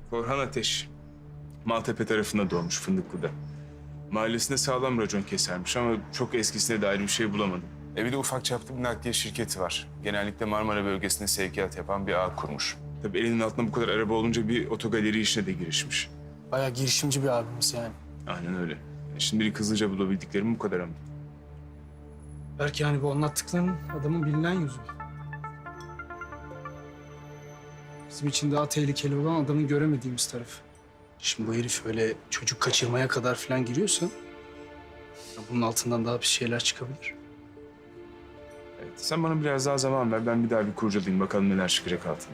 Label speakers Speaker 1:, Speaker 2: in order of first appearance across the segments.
Speaker 1: Korhan Ateş. Maltepe tarafında doğmuş, Fındıklı'da. Mahallesinde sağlam racon kesermiş ama çok eskisine dair bir şey bulamadım. Bir de ufak çaplı bir nakliye şirketi var. Genellikle Marmara bölgesinde sevkiyat yapan bir ağ kurmuş. Tabii elinin altında bu kadar araba olunca bir otogaleri işine de girişmiş.
Speaker 2: Bayağı girişimci bir abimiz yani.
Speaker 1: Aynen öyle. Şimdilik hızlıca bulabildiklerim bu kadar ama.
Speaker 2: Belki yani bu anlattıkların adamın bilinen yüzü. Bizim için daha tehlikeli olan adamın göremediğimiz tarafı. Şimdi bu herif öyle çocuk kaçırmaya kadar falan giriyorsa... bunun altından daha bir şeyler çıkabilir.
Speaker 1: Evet, sen bana biraz daha zaman ver. Ben bir daha bir kurcalayayım. Bakalım neler çıkacak altına.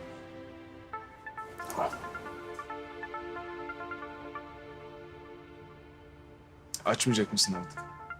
Speaker 1: Açmayacak mısın artık?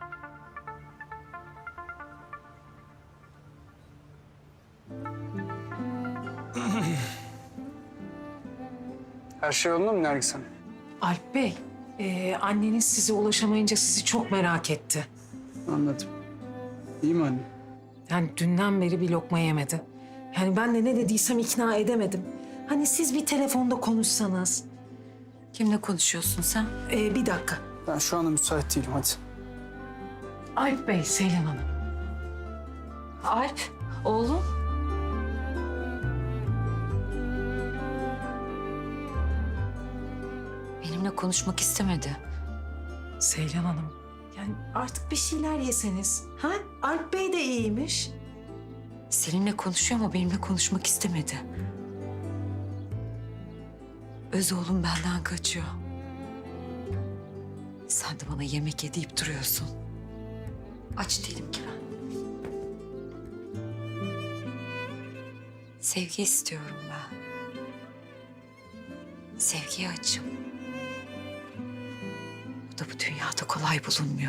Speaker 2: Her şey yolunda mı Nergis Hanım?
Speaker 3: Alp Bey, anneniz size ulaşamayınca sizi çok merak etti.
Speaker 2: Anladım. İyi mi anne?
Speaker 3: Yani dünden beri bir lokma yemedi. Yani ben de ne dediysem ikna edemedim. Hani siz bir telefonda konuşsanız.
Speaker 4: Kimle konuşuyorsun sen?
Speaker 3: Bir dakika.
Speaker 2: Ben şu anda müsait değilim, hadi.
Speaker 3: Alp Bey, Seylan Hanım.
Speaker 4: Alp, oğlum. Benimle konuşmak istemedi.
Speaker 3: Seylan Hanım, yani artık bir şeyler yeseniz. Ha? Alp Bey de iyiymiş.
Speaker 4: Seninle konuşuyor ama benimle konuşmak istemedi. Öz oğlum benden kaçıyor. Sen de bana yemek ye deyip duruyorsun. Aç değilim ki ben. Sevgi istiyorum ben. Sevgiye açım. Bu da bu dünyada kolay bulunmuyor.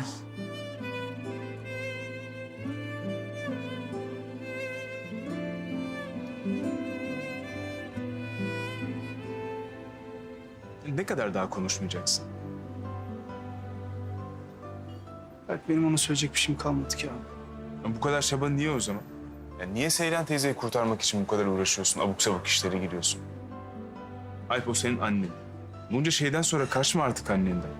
Speaker 1: Ne kadar daha konuşmayacaksın?
Speaker 2: Belki benim ona söyleyecek bir şeyim kalmadı ki abi.
Speaker 1: Ya bu kadar çaba niye o zaman? Ya niye Seylan teyzeyi kurtarmak için bu kadar uğraşıyorsun? Abuk sabuk işlere giriyorsun. Alp, o senin annen. Bunca şeyden sonra kaçma artık annenden.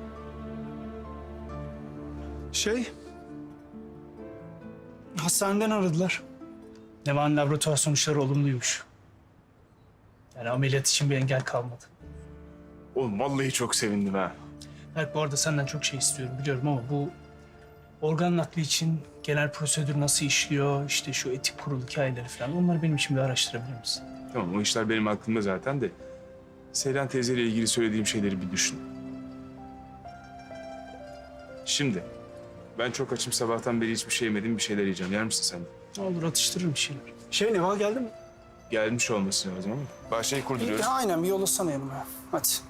Speaker 2: Hastaneden aradılar. Neva'nın laboratuvar sonuçları olumluymuş. Yani ameliyat için bir engel kalmadı.
Speaker 1: Oğlum vallahi çok sevindim ha.
Speaker 2: Berk, bu arada senden çok şey istiyorum biliyorum ama bu organ nakli için genel prosedür nasıl işliyor, işte şu etik kurul hikayeleri falan, onları benim için bir araştırabilir misin?
Speaker 1: Tamam, o işler benim aklımda zaten de. Seylan teyzeyle ilgili söylediğim şeyleri bir düşün. Şimdi, ben çok açım, sabahtan beri hiçbir şey yemedim, bir şeyler yiyeceğim. Yer misin sen de?
Speaker 2: Ne olur atıştırırım bir şeyler. Neva geldi mi?
Speaker 1: Gelmiş olması lazım ama. Bahçeyi kurduruyoruz.
Speaker 2: Aynen, bir yollasana yanıma. Hadi.